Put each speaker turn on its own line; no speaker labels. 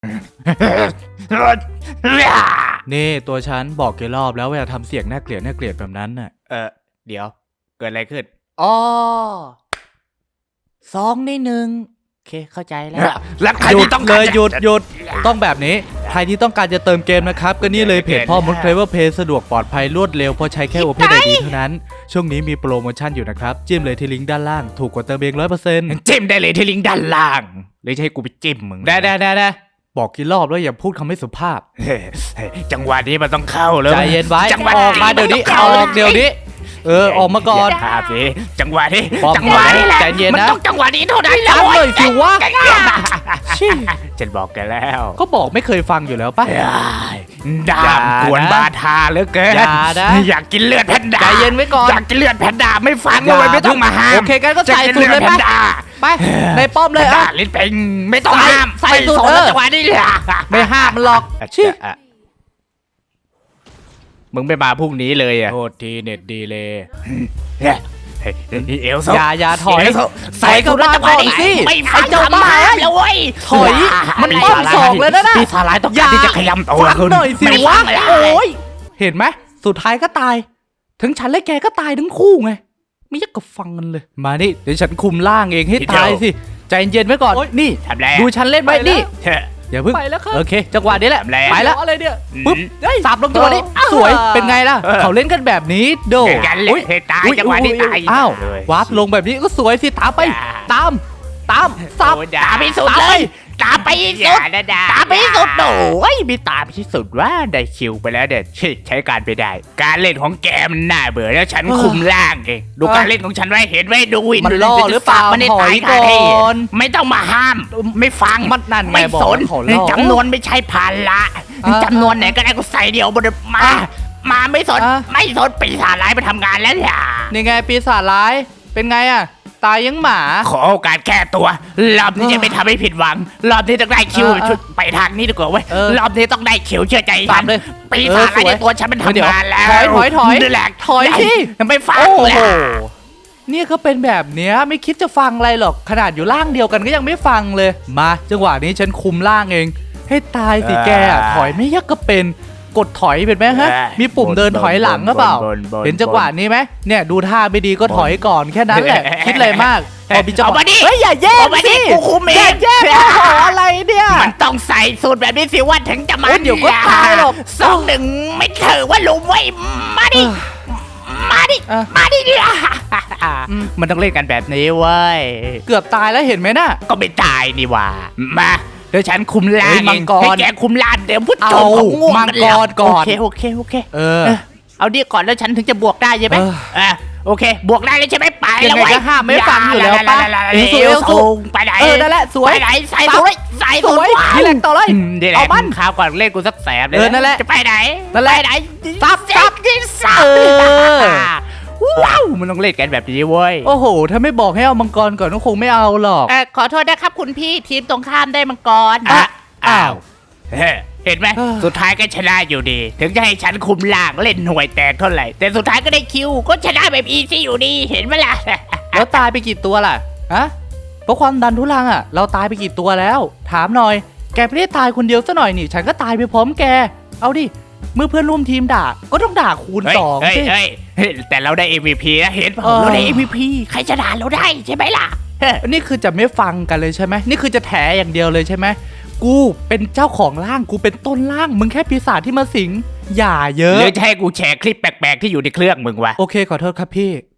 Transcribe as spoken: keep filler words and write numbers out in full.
นี่ตัวฉันบอกกี่รอบแล้วว่าอย่าทำเสียงน่าเกลียดน่าเกลียดแบบนั้นน่ะ
เออเดี๋ยวเกิดอะไรขึ้น
อ๋อสองในหนึ่งโอเคเข้าใจแล้ว
แล้วใคร
หยุ
ที่
ด
ต้อง
เลยหยุดหยุดต้องแบบนี้ใครที่ต้องการจะเติมเกมนะครับก็นี่เลยเพจพ่อมดเคลเวอร์เพย์สะดวกปลอดภัยรวดเร็วเพราะใช้แค่ Open ไอ ดี เท่านั้นช่วงนี้มีโปรโมชั่นอยู่นะครับจิ้มเลยที่ลิงก์ด้านล่างถูกกว่าเติมเอง ร้อยเปอร์เซ็นต์
จิ้มได้เลยที่ลิงก์ด้านล่างหรือจะให้กูไปจิ้มมึง
ได้ได้ได้ได้บอกกี่รอบแล้วอย่าพูดคำไม่สุภาพ
จังหวะนี้มันต้องเข้าแล้ว
ใจเย็นไว้
จังหวะ
ออกมาเดี๋ยวนี้ออกเดี๋ยวนี้เออออกมาก่อน
ภาพสิจังหวะนี้
จั
งหวะนี้แหละ
ใจเย็นนะ
มันต้องจังหวะนี้เท่านั้น
จังเลยสิวะ
ฉันบอกแกแล้ว
ก็บอกไม่เคยฟังอยู่แล้วป่ะ
ดามกวนบาทาเหลือเกินอยากกินเลือดแพนด้า
ใจเย็นไว้ก่อน
อยากกินเลือดแพนด้าไม่ฟังเลยไม่ต้องมาห้าม
โอเคกันก็ใส่สูตรเลยป่ะไปในป้อมเลยอ่ะ
ลิ้นเป็งไม่ต้องห้าม
ใส่สูตร
จังหวะนี้
ไม่ห้ามมันหรอกชิ
มึงไม่มาพรุ่งนี้เลยอ่ะ
โทษทีเน็ตดีเลย
เอลโซ
อย่าอย่าถอย
ใส่กับรัฐบาลสิไม่ฟัง
เจ้าบ้า
แล้วเว้ย
ถอยมันป้อมสองเลยนะนะ
ปีศาจร้ายต้องการที่จะขยำตัว
คุณหน่อยสิวะโอ้ยเห็นไหมสุดท้ายก็ตายถึงฉันและแกก็ตายทั้งคู่ไงไม่อยากกับฟังกันเลยมานี่เดี๋ยวฉันคุมล่างเองให้ตายสิใจเย็นไว้ก่อนนี่ดูฉันเล่นไว้นี่อย่าเพิ่ง
ไปแล้วครับ
โอเคจังหวะนี้แหละไปแล้ว
อะไรเนี่ย
ปึ๊บสับลงจังหวะนี้สวยเป็นไงล่ะเขาเล่นกันแบบนี้โด
อุ้ยตายจังหวะนี้ตาย
อ้าววาร์ปลงแบบนี้ก็สวยสิตามไปตามตามสับ
ตามไปสุดเลยตามไปสุดตามไปสุดโอ้ยมีตามที่สุดว่าได้คิวไปแล้วเด็ดใช้การไปได้การเล่นของแกมันน่าเบื่อแล้วฉันคุมล่างเองดูการเล่นของฉันไว้เห็นไว้ดูวิน
มันล่อหรือเปล่า
มันถอยก่อนไม่ต้องมาห้ามไม่ฟัง
มันนั่น
ไม่สนจำนวนไม่ใช่ภาระจำนวนไหนก็ได้ก็ใส่เดียวบนมามาไม่สนไม่สนปีศาจร้ายไปทำงานแล้วอย่า
นี่ไงปีศาจร้ายเป็นไงอะตายยังหมา
ขอโอกาสแก้ตัวรอบนี้จะไม่ทำให้ผิดหวังรอบนี้ต้องได้คิวชุดไปทางนี้ดีกว่าเว้ยรอบนี้ต้องได้คิวเชื่อใจฉันปีศาจอะไรในตัวฉันมันทำงานแล้ว
ถอยถอยถอย
นี่แหละ
ถอยที่
ไม่ฟังเลย
นี่เขาเป็นแบบเนี้ยไม่คิดจะฟังอะไรหรอกขนาดอยู่ล่างเดียวกันก็ยังไม่ฟังเลยมาจังหวะนี้ฉันคุมล่างเองให้ตายสิแกถอยไม่ยักก็เป็นกดถอยเป็นไหมฮะมีปุ่มเดินถอยหลังก็เปล่าเห็นจังหวะนี้ไหมเนี่ยดูท่าไม่ดีก็ถอยก่อนแค่นั้นแหละคิดอะไรมากพอมีจังหวะเฮ้ยอย่าแย่งสิ
กูคุมเอง
แย่งขออะไรเนี่ย
มันต้องใส่สูตรแบบนี้สิว่าถึงจะมา
เดี๋ยวก็ตายหรอก
สองหนึ่งไม่ถือว่าลุมไว้มาดิมาดิมาดิดิมันต้องเล่นกันแบบนี้เว้ย
เกือบตายแล้วเห็นไหมน่ะ
ก็ไม่ตายนี่ว่ามาเดี๋ยวฉันคุมลาน
มังกร
ให้แกคุมลานเดี๋ยวพุทธ
งง่วงมังกรก่อน
โอเคโอเคโอเค
เออ
เอาดีก่อนแล้วฉันถึงจะบวกได้ใช่ไหมเออโอเคบวกได้เลยใช่ไหมไป
แล้วไว้ห้ามไม่ฟังอยู่แล้วป่ะ
เอวสูงไปไหน
เออนั่นแหละสวย
ไปไหนใส่สวยใส่สวย
นี่แหละต่อเลย
เอามันข้าวก่อนเล่นกูสักแสบเลย
เออนั่นแหละ
จะไปไหน
นั่นแหละ
ไหน
ซับซับ
ซับว้าวมันต้องเล่นกันแบบนี้เว้ย
โอ้โหถ้าไม่บอกให้เอามังกรก่อนก็คงไม่เอาหรอก
ขอโทษนะครับคุณพี่ทีมตรงข้ามได้มังกรอ้าวเห็นไหมสุดท้ายก็ชนะอยู่ดีถึงจะให้ฉันคุมล่างเล่นหน่วยแตกเท่าไหร่แต่สุดท้ายก็ได้คิวก็ชนะแบบอีซี่อยู่ดีเห็นไหมล่ะ
แล้วตายไปกี่ตัวล่ะฮะเพราะความดันทุลังอ่ะเราตายไปกี่ตัวแล้วถามหน่อยแกไม่ได้ตายคนเดียวซะหน่อยนี่ฉันก็ตายไปพร้อมแกเอาดิเมื่อเพื่อนร่วมทีมด่าก็ต้องด่าคูณสองสิ
แต่เราได้ เอ็ม วี พี นะเห็นป่ะเราได้ เอ็ม วี พี ใครจะด่าเราได้ใช่ไหมล่ะ
นี่คือจะไม่ฟังกันเลยใช่ไหมนี่คือจะแถอย่างเดียวเลยใช่ไหมกูเป็นเจ้าของร่างกูเป็นต้นร่างมึงแค่ปีศาจที่มาสิงอย่าเยอะ
หรือจะให้กูแชร์คลิปแปลกๆที่อยู่ในเครื่องมึงวะ
โอเคขอโทษครับพี่